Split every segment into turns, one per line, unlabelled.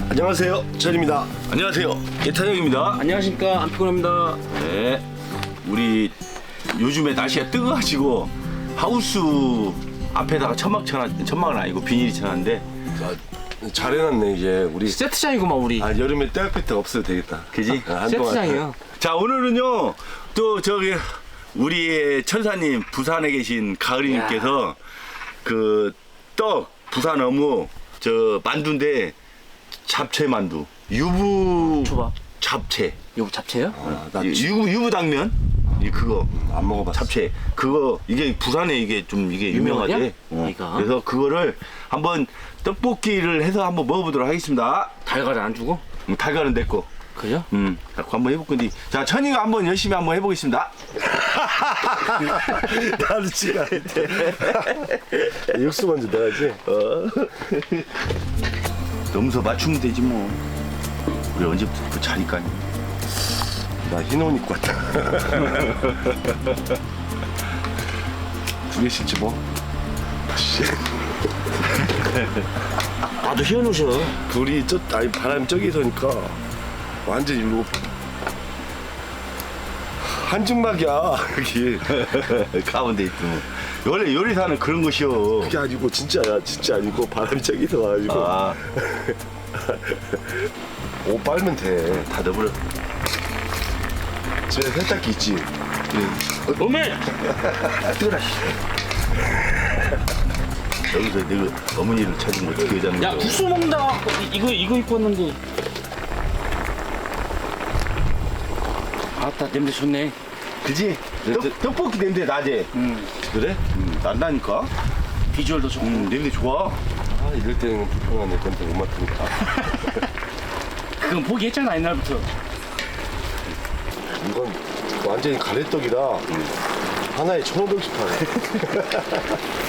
안녕하세요, 전입니다.
안녕하세요, 예탄형입니다.
안녕하십니까, 안피곤합니다.
네, 우리 요즘에 날씨가 뜨거워가지고 하우스 앞에다가 천막은 아니고 비닐이 쳐놨는데
잘 해놨네. 이제 우리
세트장이구만 우리.
여름에 떼학볕 없어도 되겠다.
그지?
세트장이요.
자, 오늘은요 또 저기 우리의 천사님 부산에 계신 가을이님께서 그 떡 부산 어묵 저 만두인데 잡채 만두 유부
초밥.
잡채
이거 잡채요?
나
유부 당면 이 그거
안 먹어봤어.
잡채 그거 이게 부산에 이게 좀 이게 유명하대.
유명하냐? 이거?
그래서 그거를 한번 떡볶이를 해서 한번 먹어보도록 하겠습니다.
달걀을 안 주고?
달걀은 내거.
그죠?
그거 한번 해볼 건데. 자, 천이가 한번 열심히 한번 해보겠습니다.
나도 지가 돼. 육수 먼저 넣어야지.
넘서 맞추면 되지 뭐. 우리 언제부터 그 자리까지.
나 흰 옷 입고 왔다. 두 개씩 집어. 씨,
나도 희어놓으셔.
불이 바람이 저기서니까 완전 이거 한증막이야 여기.
가운데 있으면. 원래 요리사는 그런 것이요.
그게 아니고 진짜야. 진짜 아니고 바람이 저기서 와가지고.
아,
옷 빨면 돼.
다 넣어버려.
집에 세탁기 있지.
어메!
뜨거라. 여기서 내가 어머니를 찾으면 어떻게 하자는
야,
거야.
국수 먹는다. 이거 입고 왔는데. 아따, 냄새 좋네.
그지? 떡볶이 냄새 나지? 그래? 난다니까?
비주얼도 좋고.
냄새 좋아.
아, 이럴 때는 불편한데 냄새 못 맡으니까.
그건 포기했잖아, 옛날부터.
이건 완전히 가래떡이라 하나에 1,500씩 파네.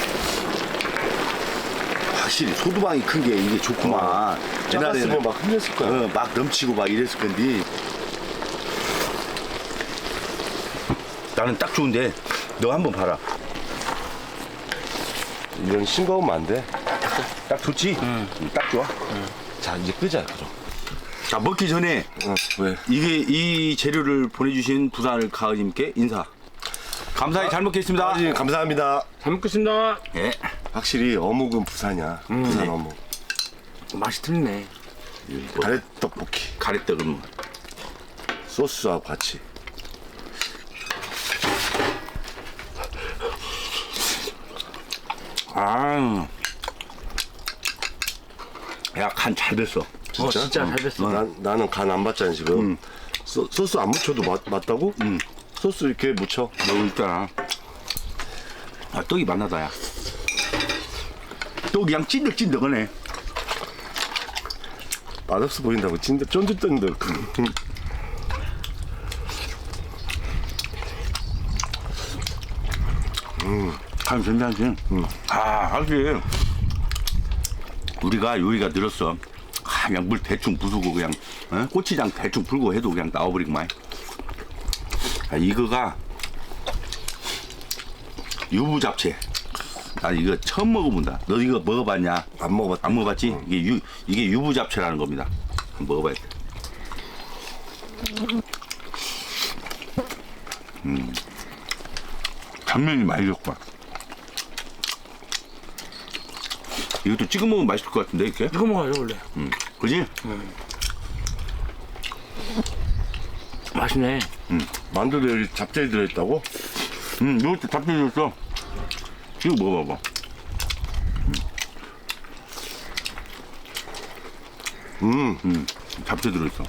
확실히 소두방이 큰 게 이게 좋구만.
작았으면 막 흘렸을 거야.
막 넘치고 막 이랬을 건데. 나는 딱 좋은데 너 한번 봐라.
이런 싱거우면 안 돼.
딱 좋지? 딱 좋아.
자, 이제 끄자, 그럼.
자, 먹기 전에
왜?
이 재료를 보내주신 부산 가을님께 인사. 감사히 잘 먹겠습니다.
아버님, 감사합니다.
잘 먹겠습니다.
예.
확실히 어묵은 부산이야. 부산
네.
어묵.
맛이 틀리네.
가래떡볶이.
가래떡은
소스하고 같이.
야, 간 잘 됐어.
진짜 잘 됐어.
나는 간 안 받잖아, 지금. 소스 안 묻혀도 맞다고? 소스 이렇게 묻혀.
여기 있잖아. 아, 떡이 맛나다, 야. 떡이 그냥 찐득찐득하네.
맛없어 보인다고. 쫀득쫀득.
참 괜찮지? 확실히 우리가 요리가 늘었어. 그냥 물 대충 부수고 그냥 고추장 대충 불고 해도 그냥 나와버리구만. 이거가 유부 잡채. 나 이거 처음 먹어본다. 너 이거 먹어봤냐?
안 먹어봤다.
안 먹어봤지? 이게 유부 잡채라는 겁니다. 한번 먹어봐야 돼. 당면이 많이 좋구만. 이것도 찍어 먹으면 맛있을 것 같은데 이렇게?
이거 먹어요, 원래.
그지?
맛있네.
만두도 여기 잡채에 들어있다고?
이것도 잡채 줬어. 이거 먹어봐봐. 잡채 들어있어.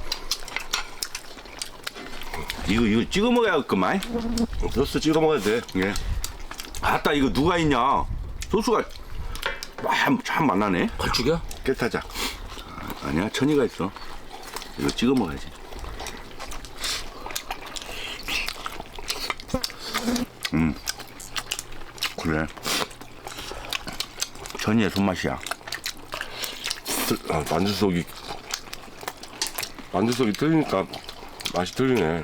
이거 찍어 먹어야겠구만.
소스 찍어 먹어야 돼.
예. 아따, 이거 누가 있냐? 소스가 참 맛나네.
걸쭉이야?
깨타자.
아니야, 천이가 있어. 이거 찍어 먹어야지. 그래. 천이의 손맛이야.
만두 속이 틀리니까 맛이 틀리네.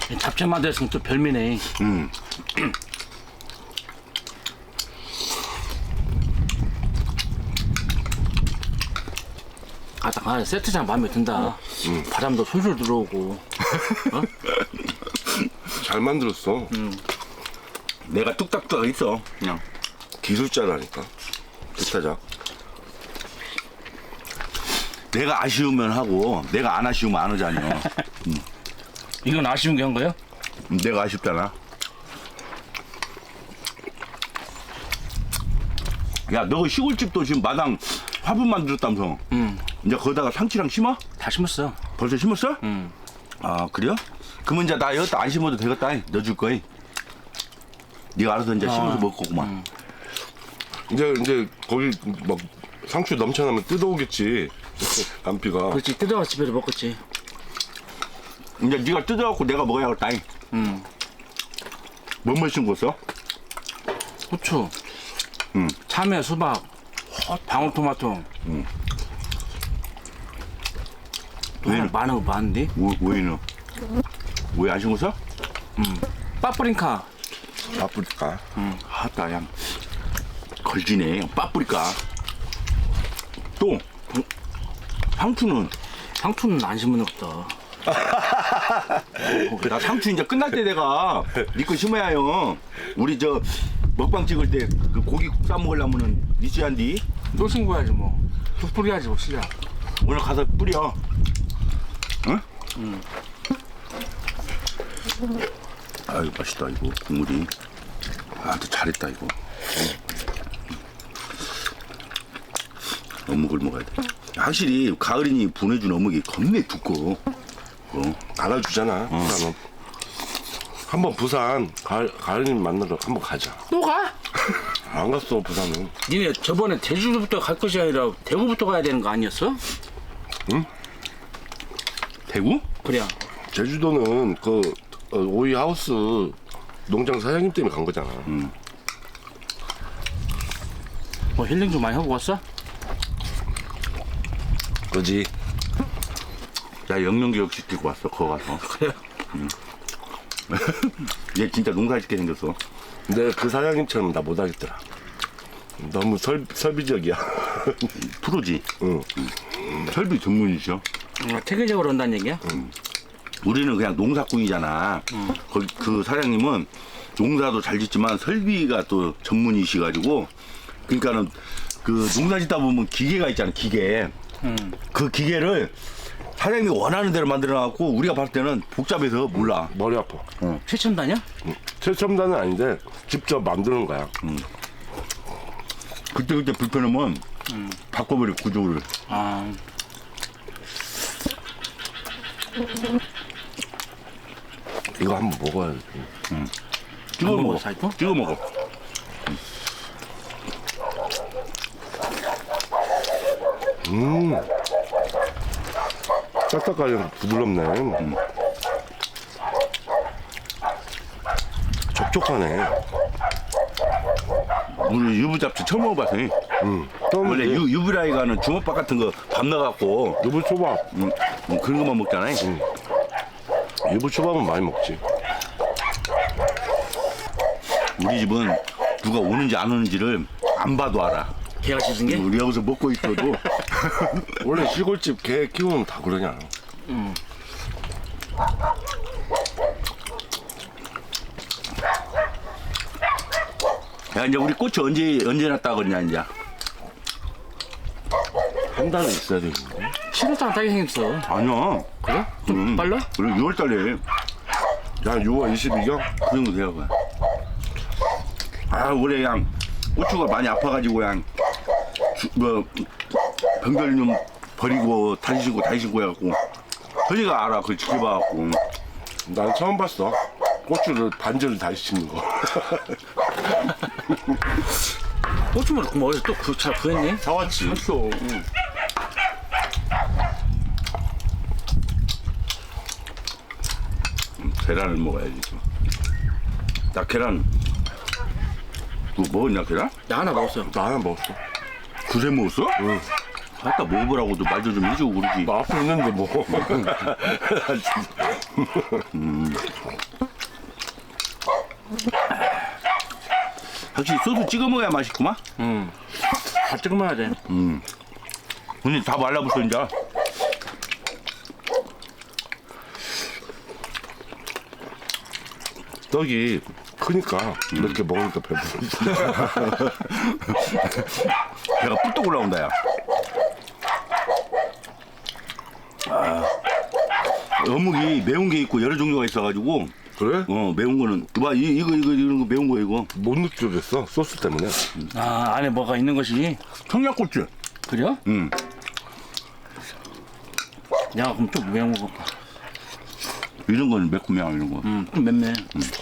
잡채 만들었으면 또 별미네. 아, 세트장 마음에 든다. 바람도 솔솔 들어오고.
잘 만들었어.
내가 뚝딱뚝딱 있어. 그냥.
기술자라니까. 세타장.
내가 아쉬우면 하고 내가 안 아쉬우면 안 하잖여.
이건 아쉬운 게 한 거야?
내가 아쉽잖아. 야, 너 시골집도 지금 마당 화분 만들었다면서. 이제 거기다가 상치랑 심어?
다 심었어.
벌써 심었어? 아, 그래요? 그러면 이제 나 여기다 안 심어도 되겠다. 넣어줄 거야. 네가 알아서 이제 심어서 먹을 거구만.
이제 거기 막 상추 넘쳐나면 뜯어오겠지. 남피가.
그렇지, 뜯어와 집에서 먹겠지.
이제 네가 뜯어갖고 내가 먹어야겠다. 뭐뭐 심었어?
후추, 참외, 수박, 방울토마토. 또 하나 많은 거 많은데?
왜는? 왜 안 심었어?
빠뿌링카.
바쁘니까.
하다 양 걸지네. 빠뿌리까. 또 상추는
상추는 안 심는 없다.
나 상추 이제 끝날 때 내가 네 거 심어야 요. 우리 저 먹방 찍을 때 그 고기 국 싸 먹으려면은 니시한디
또 심고야지 뭐. 쑥 뿌려야지 뭐 시작.
오늘 가서 뿌려. 응? 아유 맛있다 이거 국물이. 아, 또 잘했다 이거. 어묵을 먹어야 돼. 확실히 가을이니 보내준 어묵이 겁내 두꺼워.
알아주잖아. 부산은. 한번 부산 가을님 만나러 한번 가자.
또 가?
안 갔어 부산은.
니네 저번에 제주도부터 갈 것이 아니라 대구부터 가야 되는 거 아니었어?
대구?
그래.
제주도는 그 오이 하우스 농장 사장님 때문에 간 거잖아.
뭐 힐링 좀 많이 하고 왔어?
그지?
나 영양교육 시키고 왔어 거기 가서.
그래.
얘 진짜 농사 짓게 생겼어.
근데 그 사장님처럼 나 못하겠더라. 너무 설비적이야.
프로지.
응.
설비 전문이셔.
체계적으로 한다는 얘기야?
우리는 그냥 농사꾼이잖아. 거기 그 사장님은 농사도 잘 짓지만 설비가 또 전문이시가지고, 그러니까는 그 농사 짓다 보면 기계가 있잖아, 기계. 그 기계를 사장님이 원하는 대로 만들어갖고 우리가 봤을 때는 복잡해서 몰라.
머리 아파.
최첨단이야?
최첨단은 아닌데 직접 만드는 거야.
그때 불편하면 바꿔버려 구조를.
아,
이거 한번 먹어야지.
찍어
안
먹어.
먹어, 사이코?
찍어 먹어.
딱딱하게 부드럽네. 촉촉하네.
우리 유부잡채 처음 먹어봤어. 원래 유부라이가는 주먹밥 같은 거 밥 넣어갖고
유부초밥.
그런 것만 먹잖아.
유부초밥은 많이 먹지.
우리 집은 누가 오는지 안 오는지를 안 봐도 알아.
개가 짖은 게?
우리 여기서 먹고 있어도
원래 시골집 개 키우면 다 그러냐.
야, 이제 우리 꽃이 언제 났다 그러냐 이제.
한 달은 있어야 되는데.
시루도 안 타게 생겼어.
아니야.
그래? 좀 빨라?
우리 6월달에
야 6월 22경?
그 정도 돼요. 그거. 아, 올해 그냥 고추가 많이 아파가지고 그냥 병들 좀 버리고 다시 신고 해갖고 허리가 알아. 그걸 지켜봐갖고.
난 처음 봤어. 고추를 반절을 다시 씹는 거.
고추만 그럼 어디서 또 잘 구했네?
사왔지.
했어.
계란을 먹어야지. 나 계란 뭐 먹었냐 계란?
나 하나 먹었어.
나 하나 먹었어.
그새 먹었어?
응.
아까 먹어보라고도 말도 좀 해주고 그러지.
나 앞에 있는데 뭐.
확실히 소스 찍어 먹어야 맛있구만.
다 찍어 먹어야 돼.
근데 다 말라붙어 이제.
떡이 크니까 이렇게 먹으니까 배부르.
배가 뿔떡 올라온다 야. 어묵이 매운 게 있고 여러 종류가 있어가지고
그래?
매운 거는 봐 이거 이런 거 매운 거 이거
못 느껴졌어 소스 때문에.
아 안에 뭐가 있는 것이
청양고추.
그래요?
응.
야 그럼 좀 매운 거.
이런 거는 매콤해 이런 거.
좀 맵네.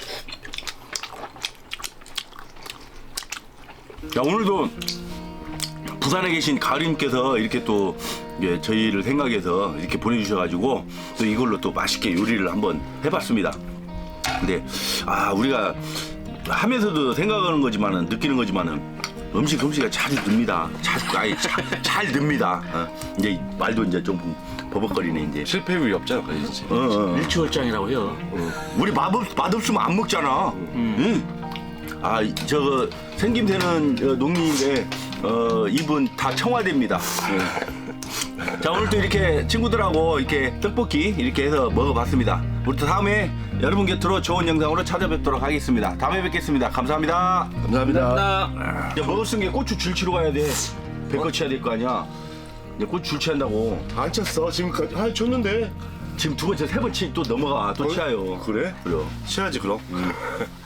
야 오늘도 부산에 계신 가을님께서 이렇게 또 저희를 생각해서 이렇게 보내주셔가지고 또 이걸로 또 맛있게 요리를 한번 해봤습니다. 근데 우리가 하면서도 생각하는 거지만은 느끼는 거지만은 솜씨가 잘 듭니다. 잘 듭니다. 이제 말도 이제 좀 버벅거리네 이제.
실패 위이 없잖아, 그지?
일치월장이라고 해요.
우리 맛없으면 안 먹잖아. 응? 저거 생김새는 농민인데 입은 다 청와대입니다. 자 오늘 또 이렇게 친구들하고 이렇게 떡볶이 이렇게 해서 먹어봤습니다. 우리 또 다음에 여러분 곁으로 좋은 영상으로 찾아뵙도록 하겠습니다. 다음에 뵙겠습니다. 감사합니다.
감사합니다.
이제 먹을 수 있는 게 고추 줄치러 가야 돼. 배꼽 쳐야 될 거 아니야. 이제 고추 줄치한다고.
안 쳤어 지금까지. 쳤는데.
지금 두 번째 세 번째 또 넘어가 또 치아요.
그래?
그래요.
치야지 그럼.